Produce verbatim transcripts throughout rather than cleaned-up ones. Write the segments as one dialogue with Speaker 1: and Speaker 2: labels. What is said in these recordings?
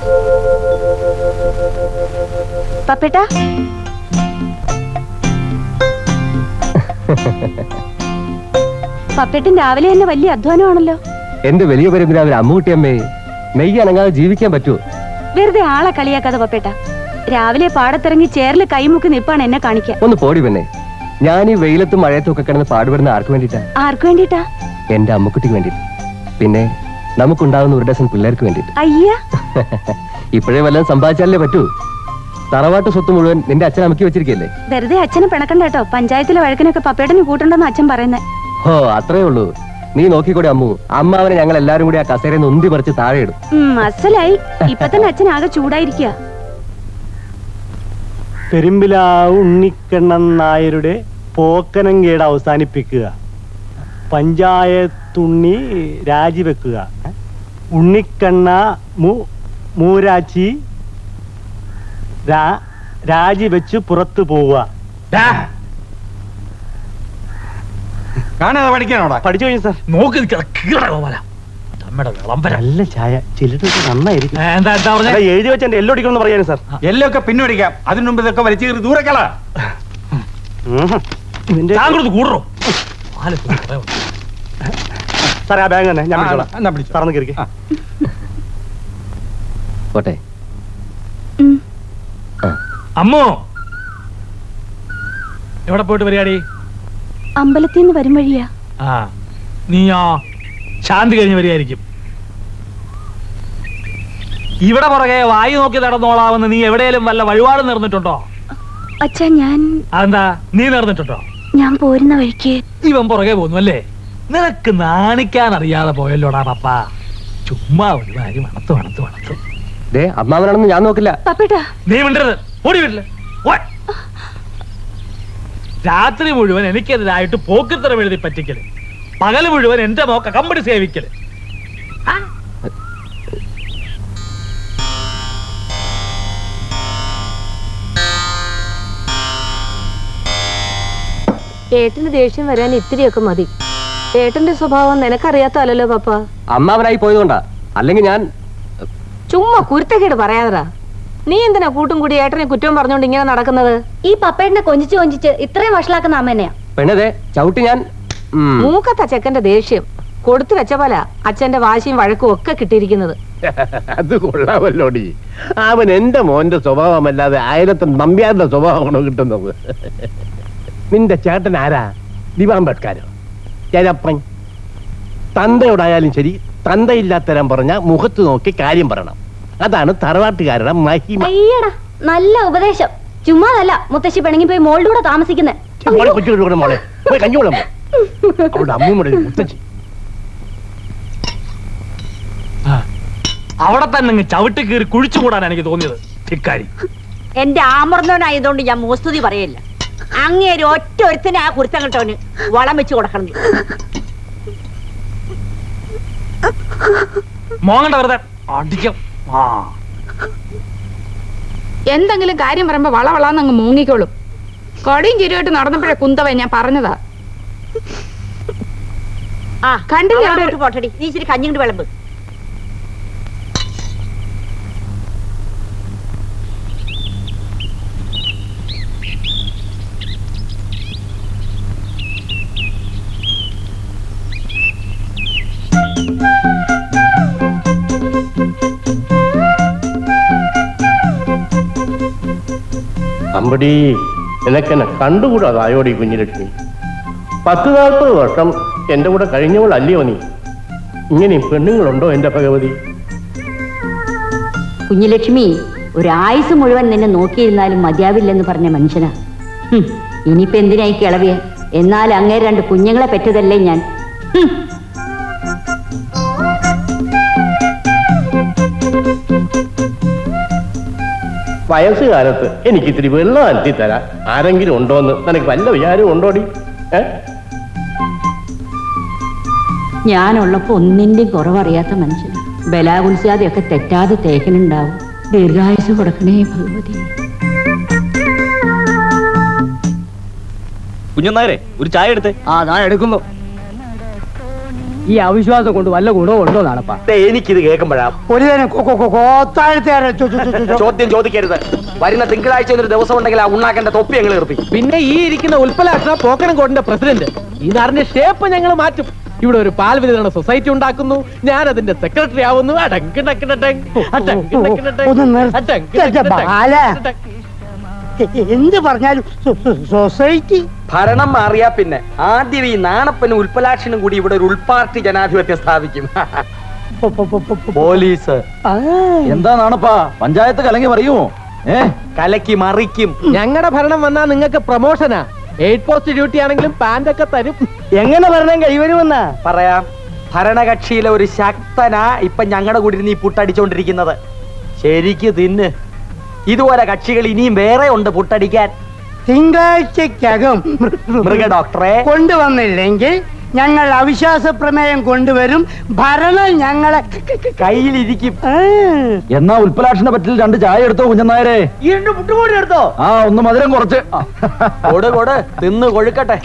Speaker 1: പപ്പേട്ടാ, പപ്പേട്ടൻ രാവിലെ തന്നെ വലിയ അധ്വാനമാണല്ലോ.
Speaker 2: എന്റെ വലിയ പരമ്പരാവിലെ അമ്മൂട്ടിയമ്മേ, നെയ്യ് അനങ്ങാതെ ജീവിക്കാൻ പറ്റുമോ?
Speaker 1: വെറുതെ ആളെ കളിയാക്കാതെ പപ്പേട്ടാ. രാവിലെ പാടത്തിറങ്ങി ചേറിൽ കൈമുക്കി നിപ്പാണ് എന്നെ കാണിക്കാൻ.
Speaker 2: ഒന്ന് പോടി പെണ്ണെ. ഞാൻ ഈ വെയിലത്തും മഴയത്തും ഒക്കെ കിടന്ന് പാടുപെടുന്ന ആർക്ക് വേണ്ടിട്ടാ?
Speaker 1: ആർക്ക് വേണ്ടിട്ടാ?
Speaker 2: എന്റെ അമ്മക്കുട്ടിക്ക് വേണ്ടിട്ട്. പിന്നെ നമുക്കുണ്ടാവുന്ന ഒരു ഡസൻ പിള്ളേർക്ക് വേണ്ടിട്ട്.
Speaker 1: അയ്യ,
Speaker 2: ഇപ്പോഴേ വല്ലതും സമ്പാദിച്ചാലേ പറ്റൂ. തറവാട്ട് സ്വത്ത് മുഴുവൻ നിന്റെ അച്ഛൻ അമ്മക്കി വെച്ചിരിക്കല്ലേ?
Speaker 1: വെറുതെ അച്ഛനെ പിണക്കണ്ട കേട്ടോ. പഞ്ചായത്തിലെ വഴക്കിനൊക്കെ പപ്പേട്ടന് കൂട്ടുണ്ടെന്ന് അച്ഛൻ പറയുന്നേ.
Speaker 2: ഓ, അത്രേ ഉള്ളൂ. നീ നോക്കിക്കൂടെ അമ്മു. അമ്മാവനെ ഞങ്ങൾ എല്ലാരും കൂടി ആ കസേരയിൽ നിന്ന് ഉന്തി പറിച്ച് താഴെ ഇടും.
Speaker 1: അസലായി. ഇപ്പൊ തന്നെ അച്ഛൻ ആകെ ചൂടായിരിക്കുക.
Speaker 3: പെരുമ്പിലാവ് ഉണ്ണിക്കണ്ണൻ നായരുടെ പോക്കനങ്കേട് അവസാനിപ്പിക്കുക. പഞ്ചായത്തുണ്ണി രാജിവെക്കുക. ഉണ്ണിക്കണ്ണ മൂരാച്ചി രാജിവെച്ച് പുറത്തു പോവുക.
Speaker 4: കാണാതെ പഠിക്കാനോടാ?
Speaker 3: പഠിച്ചു കഴിഞ്ഞു സാർ.
Speaker 4: നോക്കി നല്ല
Speaker 3: ചായ ചിലരൊക്കെ നന്നായിരിക്കും.
Speaker 4: എന്താ എന്താ പറഞ്ഞ?
Speaker 3: എഴുതി വെച്ച എല്ലോ അടിക്കണമെന്ന് പറയാനും സാർ.
Speaker 4: എല്ലോ ഒക്കെ പിന്നോടിക്കാം. അതിനു മുമ്പ് ഇതൊക്കെ വലിച്ചു കയറി ദൂരക്കളാ. കൂടറോ
Speaker 3: സാറേ, ആ ബാങ്ക് തന്നെ ഞാൻ പിടിച്ചോളാം. സാറന്ന് കയറി
Speaker 2: പോട്ടെ.
Speaker 4: അമ്മോ, എവിടെ പോയിട്ട് വരികയാടി?
Speaker 1: അമ്പലത്തിൽ നിന്ന് വരും വഴിയാ.
Speaker 4: ആ, നീയോ ശാന്തി കഴിഞ്ഞ് വരികയായിരിക്കും. ഇവിടെ പുറകെ വായു നോക്കി നടന്നോളാമെന്ന് നീ എവിടെയെങ്കിലും വല്ല വഴിപാട് നേർന്നിട്ടുണ്ടോ?
Speaker 1: അച്ഛാ, ഞാൻ
Speaker 4: അതെന്താ നീ നേർന്നിട്ടുണ്ടോ?
Speaker 1: ഞാൻ പോരുന്ന വഴിക്ക്
Speaker 4: ഇവൻ പുറകെ പോന്നു അല്ലേ? നിനക്ക് നാണിക്കാൻ അറിയാതെ പോയല്ലോടാ പപ്പ. ചുമ്മാ ഒരു കാര്യം മണത്ത് മണത്ത് മണത്ത്.
Speaker 2: അമ്മാവനാണെന്ന് ഞാൻ നോക്കില്ല.
Speaker 4: നീ മിണ്ടരുത്. ഓടി വീട്ടില്. രാത്രി മുഴുവൻ എനിക്കെതിരായിട്ട് പോക്കിത്തരം എഴുതി പറ്റിക്കല്, പകല് മുഴുവൻ എന്റെ മോക്ക കമ്പനി സേവിക്കല്.
Speaker 5: ഏട്ടന് ദേഷ്യം വരാൻ ഇത്തിരിയൊക്കെ മതി. ഏട്ടന്റെ സ്വഭാവം നിനക്കറിയാത്തല്ലോ പപ്പ.
Speaker 2: അമ്മാവനായി പോയതുകൊണ്ടാ, അല്ലെങ്കിൽ ഞാൻ
Speaker 5: ചുമ്മാ കുരുത്തക്കേട് പറയാതറാ. നീ എന്തിനാ കൂട്ടും കൂടി ഏട്ടനെ കുറ്റം പറഞ്ഞോണ്ട് ഇങ്ങനെ നടക്കുന്നത്?
Speaker 1: ഈ പപ്പേട്ടനെ കൊഞ്ചിച്ച് കൊഞ്ചിച്ച് ഇത്രയും വഷളാക്കുന്ന അമ്മേനെയാ.
Speaker 2: പെണ്ണതെ ചവിട്ടി ഞാൻ.
Speaker 5: മൂക്കത്ത ചെക്കന്റെ ദേഷ്യം കൊടുത്തു വെച്ച പോലെ അച്ഛന്റെ വാശിയും വഴക്കും ഒക്കെ കിട്ടിയിരിക്കുന്നത്.
Speaker 6: അത് കൊള്ളാമല്ലോടി. അവൻ എന്റെ മോന്റെ സ്വഭാവമല്ലാതെ അയലത്തെ നമ്പ്യാരുടെ സ്വഭാവമാണോ കിട്ടുന്നത്? നിന്റെ ചേട്ടൻ ആരാ? ദിവാംബേദ്കരോ? ചേരപ്പൻ? തന്തയോടായാലും ശരി, തന്തയില്ലാത്തരം പറഞ്ഞ മുഖത്ത് നോക്കി കാര്യം പറയണം. അതാണ് തറവാട്ടുകാരുടെ മഹിമ.
Speaker 1: നല്ല ഉപദേശം. ചുമ്മാതല്ല മുത്തശ്ശി പിണങ്ങി പോയി മോളുടെ കൂടെ താമസിക്കുന്നേ.
Speaker 6: മോളെ പോയി കഞ്ഞോളം അവളുടെ അമ്മൂമ്മയുടെ മുത്തശ്ശി.
Speaker 4: അവിടെ തന്നെ ചവിട്ടി കീറി കുഴിച്ചു കൂടാൻ എനിക്ക് തോന്നിയത് ഇക്കാരി.
Speaker 7: എന്റെ ആമർന്നവനായതുകൊണ്ട് ഞാൻ മോസ്തുതി പറയില്ല. അങ്ങേര് ഒറ്റ ഒരുത്തിനെ ആ കുരുത്തം കെട്ടവന് വളം വെച്ച് കൊടുക്കണം.
Speaker 4: മോങ്ങണ്ട വെറുതെ അടിക്കും.
Speaker 8: എന്തെങ്കിലും കാര്യം പറയുമ്പോ വളവളാന്ന് അങ്ങ് മൂങ്ങിക്കോളും. കൊടിയും ചിരിയായിട്ട് നടന്നപ്പോഴേ കുന്തവ ഞാൻ പറഞ്ഞതാ.
Speaker 7: ആ കണ്ടില്ല പോട്ടടി. നീ ഇച്ചിരി കഞ്ഞിങ്ങോട്ട് വിളമ്പ്.
Speaker 6: അമ്പടി, നിനക്കെന്നെ കണ്ടുകൂടാതായോടി കുഞ്ഞിലക്ഷ്മി. പത്ത് നാൽപ്പത് വർഷം എന്റെ കൂടെ കഴിഞ്ഞവളല്ലയോ നീ? ഇങ്ങനെയും പെണ്ണുങ്ങളുണ്ടോ എന്റെ ഭഗവതി?
Speaker 7: കുഞ്ഞിലക്ഷ്മി ഒരായുസ് മുഴുവൻ നിന്നെ നോക്കിയിരുന്നാലും മതിയാവില്ലെന്ന് പറഞ്ഞ മനുഷ്യനാ. ഇനിയിപ്പോ എന്തിനായി കിളവിയ? എന്നാൽ അങ്ങേ രണ്ട് കുഞ്ഞുങ്ങളെ പെറ്റതല്ലേ ഞാൻ.
Speaker 6: വയസ്സുകാലത്ത് എനിക്ക് ഇത്തിരി വെള്ളം അനത്തി തരാൻ ആരെങ്കിലും ഉണ്ടോന്ന് നിനക്ക് വല്ല വിചാരവും ഉണ്ടോടി? ഏ
Speaker 7: ഞാനുള്ളപ്പോ ഒന്നിന്റെയും കുറവറിയാത്ത മനുഷ്യൻ. ബലാകുൽസാതെയൊക്കെ തെറ്റാതെ തേക്കനുണ്ടാവും. ദീർഘായുസ് കൊടുക്കണേ ഭഗവതി.
Speaker 9: കുഞ്ഞനായരെ ഒരു ചായ എടുത്തേ.
Speaker 2: ആ ഞാൻ എടുക്കുന്നു. ഈ അവിശ്വാസം കൊണ്ട് വല്ല ഗുണവും ഉണ്ടോ നാണപ്പാ?
Speaker 3: എനിക്കിത് കേൾക്കുമ്പോഴാ
Speaker 9: ഒരു
Speaker 3: ചോദ്യം ചോദിക്കരുത്. വരുന്ന തിങ്കളാഴ്ച ഒരു ദിവസം ഉണ്ടെങ്കിൽ ആ ഉണ്ണാക്കേണ്ട തൊപ്പി ഞങ്ങൾ ഏർപ്പിക്കും.
Speaker 2: പിന്നെ ഈ ഇരിക്കുന്ന ഉൽപ്പലാക്ഷ പോക്കണം കോടിന്റെ പ്രസിഡന്റ്. ഈ നാടിന്റെ ഷേപ്പ് ഞങ്ങൾ മാറ്റും. ഇവിടെ ഒരു പാൽ വിതരണ സൊസൈറ്റി ഉണ്ടാക്കുന്നു. ഞാൻ അതിന്റെ സെക്രട്ടറി ആവുന്നു.
Speaker 9: എന്ത് പറഞ്ഞാലും സൊസൈറ്റി
Speaker 3: ഭരണം മാറിയാ പിന്നെ ആദ്യം ഈ നാണപ്പനും ഉൽപ്പലാക്ഷനും കൂടി ഇവിടെ ഒരു ഉൾപാർട്ടി ജനാധിപത്യം സ്ഥാപിക്കും. പോലീസ്
Speaker 2: എന്താ നാണപ്പാ പഞ്ചായത്ത് കലങ്ങി പറയുമോ? ഏ
Speaker 3: കലക്കി മറിക്കും.
Speaker 2: ഞങ്ങളുടെ ഭരണം വന്നാ നിങ്ങൾക്ക് പ്രൊമോഷനാ. എയ്റ്റ് പോസ്റ്റ് ഡ്യൂട്ടി ആണെങ്കിലും പാന്റ് ഒക്കെ തരും.
Speaker 3: എങ്ങനെ ഭരണം കൈവരുമെന്നാ പറയാം. ഭരണകക്ഷിയിലെ ഒരു ശക്തനാ ഇപ്പൊ ഞങ്ങളുടെ കൂടി നീ പുട്ടടിച്ചോണ്ടിരിക്കുന്നത്. ശരിക്ക് തിന്ന്. ഇതുപോലെ കക്ഷികൾ ഇനിയും വേറെ ഉണ്ട് പുട്ടടിക്കാൻ.
Speaker 9: തിങ്കളാഴ്ചക്കകം
Speaker 3: മൃഗ ഡോക്ടറെ
Speaker 9: കൊണ്ടുവന്നില്ലെങ്കിൽ ഞങ്ങൾ അവിശ്വാസ പ്രമേയം കൊണ്ടുവരും. ഭരണം ഞങ്ങളെ
Speaker 3: കയ്യിലിരിക്കും.
Speaker 2: എന്നാ ഉൽപ്പലാക്ഷനെ പറ്റിൽ രണ്ട് ചായ എടുത്തോ കുഞ്ഞനായരെ.
Speaker 3: ഈ രണ്ട് മുട്ടുകൂടി എടുത്തോ?
Speaker 2: ആ ഒന്ന് മധുരം കുറച്ച്
Speaker 3: കൊട് കൊട് തിന്ന് കൊഴുക്കട്ടെ.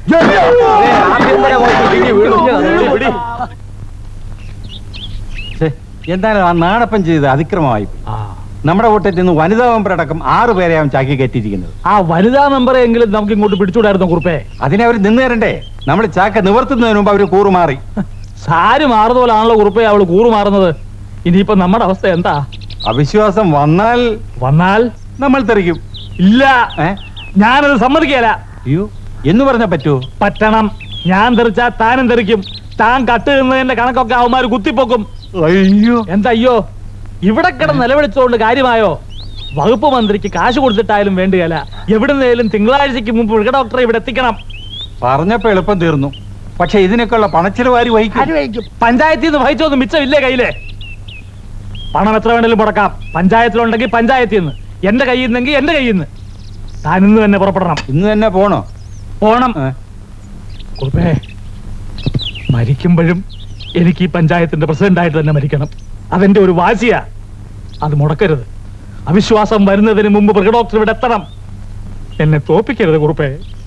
Speaker 10: എന്തായാലും ആ നാണപ്പൻ ചെയ്ത് അതിക്രമമായി. നമ്മുടെ കൂട്ടത്തിൽ നിന്ന് വനിതാ മെമ്പർ അടക്കം ആറു പേരെ അവൻ ചാക്കി കയറ്റിയിരിക്കുന്നത്.
Speaker 4: ആ വനിതാ മെമ്പറെ എങ്കിലും നമുക്ക് ഇങ്ങോട്ട് പിടിച്ചുകൂടായിരുന്നു കുറുപ്പേ.
Speaker 10: അതിനെ അവർ നിന്ന് തരണ്ടേ? നമ്മൾ ചാക്ക നിവർത്തുന്നതിന് മുമ്പ് അവര് കൂറുമാറി.
Speaker 4: സാരി മാറുന്ന പോലാണല്ലോ കുറുപ്പേ അവള് കൂറുമാറുന്നത്. ഇനിയിപ്പോ നമ്മുടെ അവസ്ഥ എന്താ?
Speaker 10: അവിശ്വാസം വന്നാൽ
Speaker 4: വന്നാൽ
Speaker 10: നമ്മൾ തെറിക്കും.
Speaker 4: ഇല്ല,
Speaker 10: ഏ
Speaker 4: ഞാനത് സമ്മതിക്കല.
Speaker 10: അയ്യോ എന്ന് പറഞ്ഞാ പറ്റുമോ?
Speaker 4: പറ്റണം. ഞാൻ തെറിച്ചാ താനും തെറിക്കും. താൻ കട്ട് നിന്നതിന്റെ കണക്കൊക്കെ അവന്മാര് കുത്തിപ്പൊക്കും.
Speaker 10: അയ്യോ
Speaker 4: എന്താ അയ്യോ? ഇവിടെ കിടന്ന് നിലവിളിച്ചുകൊണ്ട് കാര്യമായോ? വകുപ്പ് മന്ത്രിക്ക് കാശ് കൊടുത്തിട്ടായാലും വേണ്ടിയല്ല, എവിടുന്നേലും തിങ്കളാഴ്ചക്ക് മുമ്പ് മൃഗ ഡോക്ടറെ ഇവിടെ എത്തിക്കണം.
Speaker 10: പറഞ്ഞപ്പോ എളുപ്പം തീർന്നു. പക്ഷെ ഇതിനൊക്കെയുള്ള പണച്ചിലവാരി വഹിക്കും.
Speaker 4: പഞ്ചായത്തിൽ നിന്ന് വഹിച്ചൊന്നും മിച്ചമില്ലേ കയ്യിലെ? പണം എത്ര വേണേലും മുടക്കാം. പഞ്ചായത്തിലുണ്ടെങ്കിൽ പഞ്ചായത്തിൽ നിന്ന്, എന്റെ കയ്യിൽ നിന്നെങ്കിൽ എന്റെ കയ്യിൽ നിന്ന്. താൻ ഇന്ന് തന്നെ പുറപ്പെടണം.
Speaker 10: ഇന്ന് തന്നെ പോണോ?
Speaker 4: പോണം. കുറുപ്പേ, മരിക്കുമ്പോഴും എനിക്ക് ഈ പഞ്ചായത്തിന്റെ പ്രസിഡന്റായിട്ട് തന്നെ മരിക്കണം. അതെന്റെ ഒരു വാശിയാ. അത് മുടക്കരുത്. അവിശ്വാസം വരുന്നതിന് മുമ്പ് മൃഗ ഡോക്ടർ ഇവിടെ എത്തണം. എന്നെ തോപ്പിക്കരുത് കുറുപ്പേ.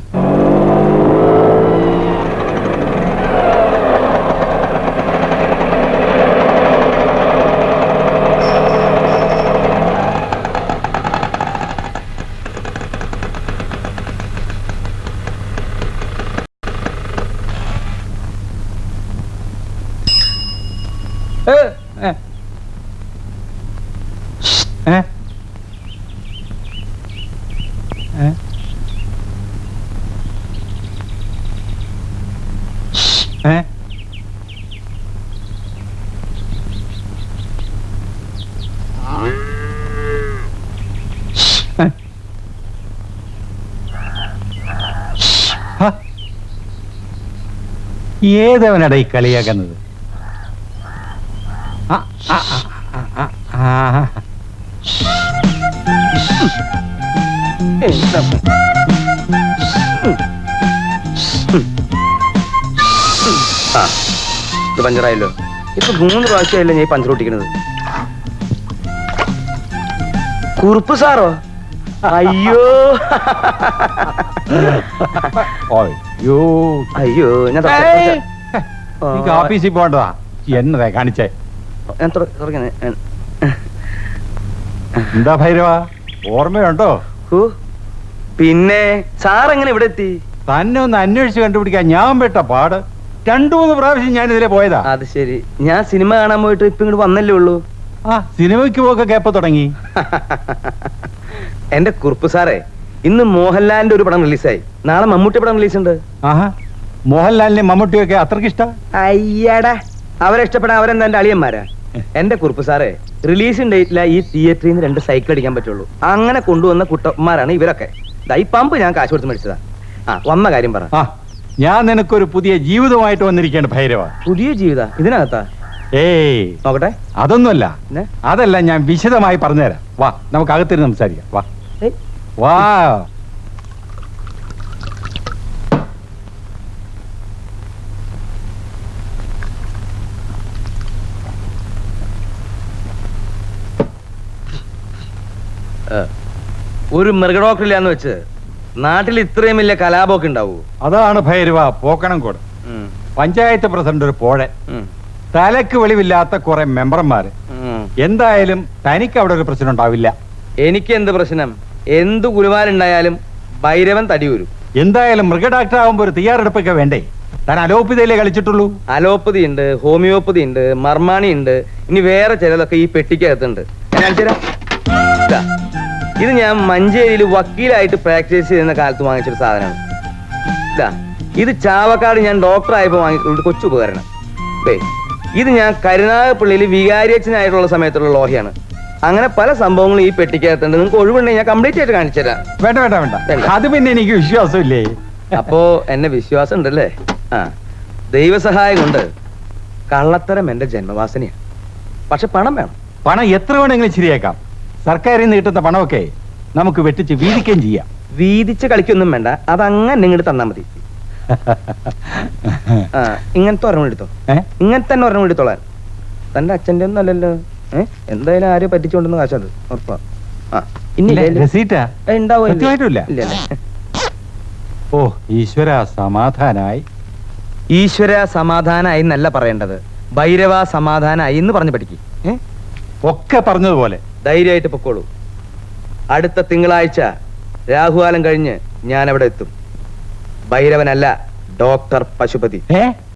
Speaker 10: ഏ? ഏ? ഏ? ഹ? ഏതവനടാ ഈ കളിയാക്കുന്നത്? ആ ആ ആ ആ ആ
Speaker 3: ഇത് പഞ്ചറായല്ലോ. ഇപ്പൊ മൂന്ന് പ്രാവശ്യമല്ലേ ഞാൻ പഞ്ചർ ഒട്ടിക്കുന്നത്. കുറുപ്പ് സാറോ? അയ്യോ
Speaker 10: അയ്യോ
Speaker 3: അയ്യോ ഞാൻ
Speaker 10: ഓഫീസിൽ പോകണ്ടതാ. എന്നതാ കാണിച്ചേ?
Speaker 3: ഞാൻ തുടങ്ങി.
Speaker 10: എന്താ ഭൈരവ, ഓർമ്മയുണ്ടോ?
Speaker 3: പിന്നെ സാർ എങ്ങനെ ഇവിടെ എത്തി?
Speaker 10: തന്നെ ഒന്ന് അന്വേഷിച്ച് കണ്ടുപിടിക്കാൻ ഞാൻ പെട്ട പാട്. രണ്ടു മൂന്ന് പ്രാവശ്യം ഞാൻ ഇതിലെ പോയതാ.
Speaker 3: അത് ശരി. ഞാൻ സിനിമ കാണാൻ പോയിട്ട് ഇപ്പൊ ഇങ്ങോട്ട് വന്നല്ലേ ഉള്ളൂ.
Speaker 10: ആ സിനിമയ്ക്ക് പോക്കെ കേപ്പ തുടങ്ങി.
Speaker 3: എന്റെ കുറുപ്പ് സാറേ, ഇന്ന് മോഹൻലാലിന്റെ ഒരു പടം റിലീസായി. നാളെ മമ്മൂട്ടി പടം റിലീസ് ഉണ്ട്.
Speaker 10: ആഹാ, മോഹൻലാലിനെ മമ്മൂട്ടിയൊക്കെ അത്രക്ക് ഇഷ്ട?
Speaker 3: അയ്യടാ, അവരെ ഇഷ്ടപ്പെടാൻ അവരെന്താ എന്റെ അളിയന്മാരാ? എന്റെ കുറുപ്പ് സാറേ, റിലീസിംഗ് ഡേറ്റില ഈ തിയേറ്ററിൽ നിന്ന് രണ്ട് സൈക്കിൾ അടിക്കാൻ പറ്റുള്ളൂ. അങ്ങനെ കൊണ്ടുവന്ന കുട്ടന്മാരാണ് ഇവരൊക്കെ. ഈ പമ്പ് ഞാൻ കാശ് കൊടുത്ത് മേടിച്ചതാ. ആ വന്ന കാര്യം പറ.
Speaker 10: ആ ഞാൻ നിനക്കൊരു പുതിയ ജീവിതമായിട്ട് വന്നിരിക്കേണ്ട ഭൈരവ.
Speaker 3: പുതിയ ജീവിത ഇതിനകത്താ?
Speaker 10: ഏയ്
Speaker 3: നോക്കട്ടെ.
Speaker 10: അതൊന്നുമല്ല, അതല്ല, ഞാൻ വിശദമായി പറഞ്ഞുതരാം. വാ നമുക്ക് അകത്തിരുന്ന് സംസാരിക്കാം. വാ വാ.
Speaker 3: ഒരു മൃഗഡോക്ടറില്ലാന്ന് വെച്ച് നാട്ടിൽ ഇത്രയും വലിയ കലാപമൊക്കെ ഉണ്ടാവൂ?
Speaker 10: അതാണ് ഭൈരവ പോക്കണം കൂടെ. പഞ്ചായത്ത് പ്രസിഡന്റ് ഒരു പോഴൻ,
Speaker 3: ഉം.
Speaker 10: തലക്ക് വെളിവില്ലാത്ത കുറെ മെമ്പർമാര്.
Speaker 3: ഉം.
Speaker 10: എന്തായാലും തനിക്ക് അവിടെ ഒരു പ്രശ്നം ഉണ്ടാവില്ല.
Speaker 3: എനിക്ക് എന്ത് പ്രശ്നം? എന്തു ഗുരുവാലുണ്ടായാലും ഭൈരവൻ തടി വരും.
Speaker 10: എന്തായാലും മൃഗ ഡോക്ടർ ആവുമ്പോ ഒരു തയ്യാറെടുപ്പൊക്കെ വേണ്ടേ? താൻ അലോപ്പതിയിലേ കളിച്ചിട്ടുള്ളൂ.
Speaker 3: അലോപ്പതി ഉണ്ട്, ഹോമിയോപ്പതി ഉണ്ട്, മർമാണി ഉണ്ട്, ഇനി വേറെ ചിലതൊക്കെ ഈ പെട്ടിക്കകത്തുണ്ട്. ഞാൻ കാണിച്ചു തരാം. ഇതാ, ഇത് ഞാൻ മഞ്ചേരിയിൽ വക്കീലായിട്ട് പ്രാക്ടീസ് ചെയ്യുന്ന കാലത്ത് വാങ്ങിച്ചൊരു സാധനമാണ്. ഇതാ, ഇത് ചാവക്കാട് ഞാൻ ഡോക്ടറായപ്പോൾ വാങ്ങിയിട്ടുള്ള ഒരു കൊച്ചു ഉപകരണം. ദേ, ഇത് ഞാൻ കരുനാഗപ്പള്ളിയിൽ വികാരിയച്ഛനായിട്ടുള്ള സമയത്തുള്ള ലോഹയാണ്. അങ്ങനെ പല സംഭവങ്ങളും ഈ പെട്ടിക്കകത്തുണ്ട്. നിങ്ങൾക്ക് ഒഴിവുണ്ടെങ്കിൽ ഞാൻ കംപ്ലീറ്റ് ആയിട്ട് കാണിച്ചു തരാം.
Speaker 10: വേണ്ട വേണ്ട വേണ്ട, അത് പിന്നെ എനിക്ക് വിശ്വാസമില്ലേ.
Speaker 3: അപ്പോ എന്നെ വിശ്വാസം ഉണ്ടല്ലേ? ആ, ദൈവസഹായം കൊണ്ട് കള്ളത്തരം എന്റെ ജന്മവാസനയാണ്. പക്ഷെ പണം വേണം.
Speaker 10: പണം എത്ര വേണമെങ്കിലും ശരിയാക്കാം. സർക്കാരിൽ നിന്ന് കിട്ടുന്ന പണമൊക്കെ നമുക്ക് വെട്ടിച്ച് വീതിക്കുകയും ചെയ്യാം.
Speaker 3: വീതിച്ച് കളിക്കൊന്നും വേണ്ട, അതങ്ങനെ ഇങ്ങോട്ട് തന്നാ മതി. ആ, ഇങ്ങനത്തെ ഒരെണ്ണം എടുത്തോ.
Speaker 10: ഏ?
Speaker 3: ഇങ്ങനത്തെ തന്നെ ഒരെണ്ണം എടുത്തോളാൻ. തന്റെ അച്ഛന്റെ ഒന്നും അല്ലല്ലോ. ഏഹ് എന്തായാലും ആരും പറ്റിച്ചുകൊണ്ടെന്ന് കാശത് ഉറപ്പാ. ആ, ഇനി
Speaker 10: ഇല്ല, രസീറ്റാ? സത്യമായിട്ടുമില്ല. ഓ ഈശ്വര സമാധാനായി.
Speaker 3: ഈശ്വര സമാധാനായി എന്നല്ല പറയേണ്ടത്, ഭൈരവ സമാധാനായി എന്ന് പറഞ്ഞു പഠിക്കും. ഏഹ്
Speaker 10: ഒക്കെ പറഞ്ഞതുപോലെ
Speaker 3: ധൈര്യമായിട്ട് പൊക്കോളൂ. അടുത്ത തിങ്കളാഴ്ച രാഹുകാലം കഴിഞ്ഞ് ഞാൻ അവിടെ എത്തും. ഭൈരവനല്ല, ഡോക്ടർ പശുപതി.
Speaker 10: ഏ